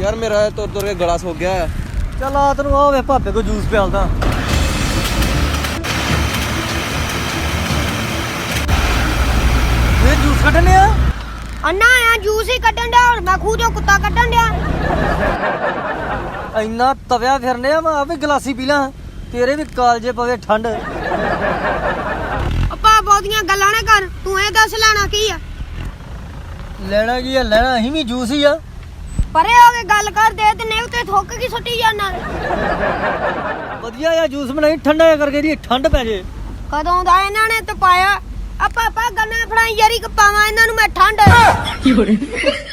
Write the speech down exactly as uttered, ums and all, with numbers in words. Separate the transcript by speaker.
Speaker 1: यार मेरा तुर तुर के गला सुक गया है।
Speaker 2: चल आ तेन आ वे भापे को जूस प्यालदा। ये जूस कड्ढने आ
Speaker 3: अन्ना आया जूस ही कड्ढन दिया और मैं खूह चो कुत्ता कड्ढन दिया।
Speaker 2: इन्ना तव्या फिरने आ मैं भी गलासी पी ला तेरे भी कालजे पवे ठंड।
Speaker 3: अपा बहुतियां गल्लां ना कर तू ए दस लेना की है?
Speaker 2: लेना की है लेना अहीं भी जूस ही आ।
Speaker 3: परे हो के गल कर दे ते नहीं ते थुक की सुट्टी जाना।
Speaker 2: ਵਧੀਆ ਆ ਜੂਸ ਬਣਾਈ ਠੰਡਾ ਜਿਹਾ ਕਰਕੇ ਦੀ ਠੰਡ ਪੈ ਜੇ।
Speaker 3: कदों दा इन्हां ने तपाया आ पापा गन्ना फड़ाई यारी पावां इन्हां नूं मैं ठंड।